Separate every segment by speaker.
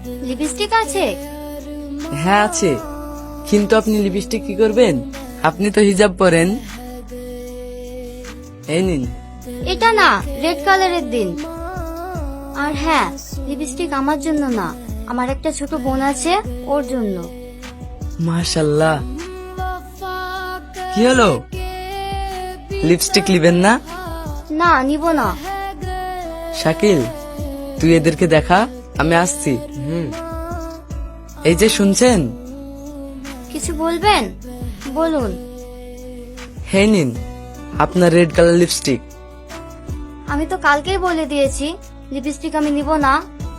Speaker 1: Lipstick আছে?
Speaker 2: হ্যাঁ আছে, কিন্তু আপনি লিপস্টিক কি করবেন? আপনি তো হিজাব পরেন। এই নিন।
Speaker 1: এটা না, রেড কালারের দিন। আর হ্যাঁ, লিপস্টিক আমার জন্য না, আমার একটা ছোট বোন আছে, ওর জন্য।
Speaker 2: মাশাল্লাহ। কি হলো, লিপস্টিক নিবেন না?
Speaker 1: না, নিব না।
Speaker 2: শাকিল, তুই এদেরকে দেখা, আমি আসছি। এই যে শুনছেন?
Speaker 1: কিছু বলবেন? বলুন।
Speaker 2: হে নিন আপনার রেড কালার লিপস্টিক।
Speaker 1: আমি তো কালকেই বলে দিয়েছি লিপস্টিক আমি নিব না।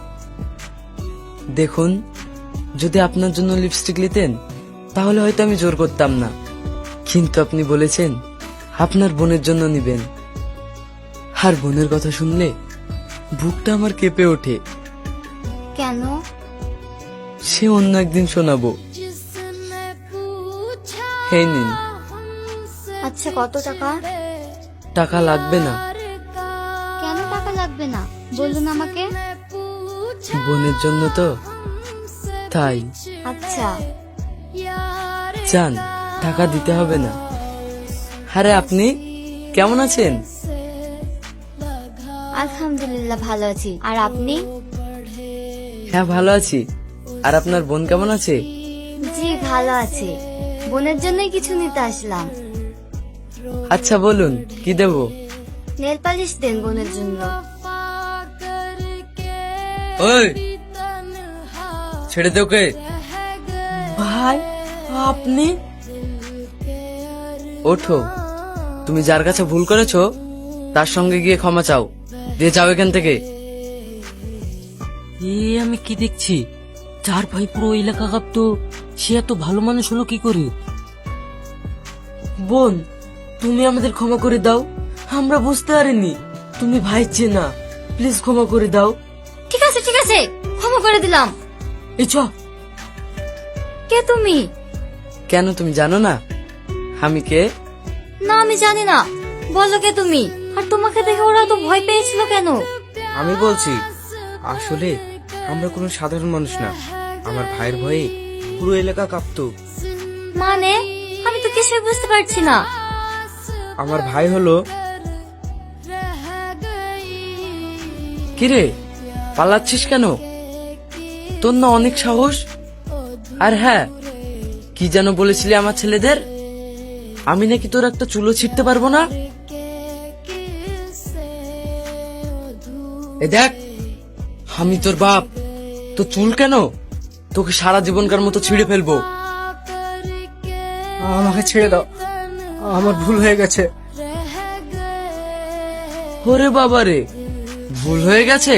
Speaker 2: দেখুন, যদি আপনার জন্য লিপস্টিক নিতেন তাহলে হয়তো আমি জোর করতাম না, কিন্তু আপনি বলেছেন আপনার বোনের জন্য নিবেন। আর বোনের কথা শুনলে বুকটা আমার কেঁপে ওঠে।
Speaker 1: কেন?
Speaker 2: সে অন্য একদিন শোনাবো। এই নিন।
Speaker 1: আচ্ছা, কত টাকা?
Speaker 2: টাকা লাগবে না।
Speaker 1: কেন টাকা লাগবে না বলুন আমাকে।
Speaker 2: বোনের জন্য তো, তাই।
Speaker 1: আচ্ছা।
Speaker 2: যান, টাকা দিতে হবে না। আরে আপনি কেমন আছেন?
Speaker 1: আলহামদুলিল্লাহ ভালো আছি, আর আপনি?
Speaker 2: হ্যাঁ ভালো আছি। আর আপনার বোন কেমন আছে?
Speaker 1: জি ভালো আছে, বোনের জন্যই কিছু নিতে আসলাম।
Speaker 2: আচ্ছা বলুন, কি দেব?
Speaker 1: নেল পালিশ দেন বোনের জন্য।
Speaker 2: ওই ছেড়ে দে ওকে। ভাই আপনি? ওঠো, তুমি যার কাছে ভুল করেছো তার সঙ্গে গিয়ে ক্ষমা চাও, দিয়ে যাও এখান থেকে।
Speaker 3: আমি কি দেখছি, চার ভাই পুরো এলাকা কাঁপতো, সে এত ভালো মানুষ হলো কি করে? বোন, তুমি আমাদের ক্ষমা করে দাও, আমরা বুঝতে পারিনি তুমি ভাই চেনা, প্লিজ ক্ষমা করে দাও।
Speaker 1: ঠিক আছে ঠিক আছে, ক্ষমা করে দিলাম।
Speaker 3: এই চ।
Speaker 1: কে তুমি?
Speaker 2: কেন তুমি জানো না আমি কে?
Speaker 1: না আমি জানি না, বলো কে তুমি? আর তোমাকে দেখে ওরা তো ভয় পেয়েছিল কেন?
Speaker 4: আমি বলছি, আসলে আমরা কোনো সাধারণ মানুষ না, আমার ভাইয়ের ভয়ে পুরো এলাকা কাঁপতো।
Speaker 1: মানে আমি তো কিছুই বুঝতে পারছি না।
Speaker 4: আমার ভাই হলো,
Speaker 2: কিরে পালাচ্ছিস কেন? তোর না অনেক সাহস। আর হ্যাঁ, কি যেন বলেছিলি আমার ছেলেদের? আমি নাকি তোর একটা চুলো ছিঁড়তে পারবো না। এ দেখ, আমি তোর বাপ, তো চুল কেন? তোকে সারা জীবনকার মতো ছিঁড়ে ফেলবো।
Speaker 4: আমাকে ছেড়ে দাও, আমার ভুল হয়ে গেছে।
Speaker 2: ওরে বাবা রে, ভুল হয়ে গেছে?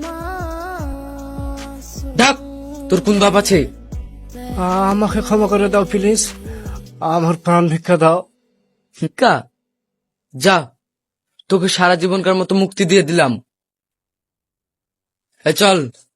Speaker 2: ডাক, তোর কোন বাপ আছে?
Speaker 4: আমাকে ক্ষমা করে দাও প্লিজ, আমার প্রাণ ভিক্ষা দাও।
Speaker 2: ভিক্ষা? যা, তোকে সারা জীবনকার মতো মুক্তি দিয়ে দিলাম। চল।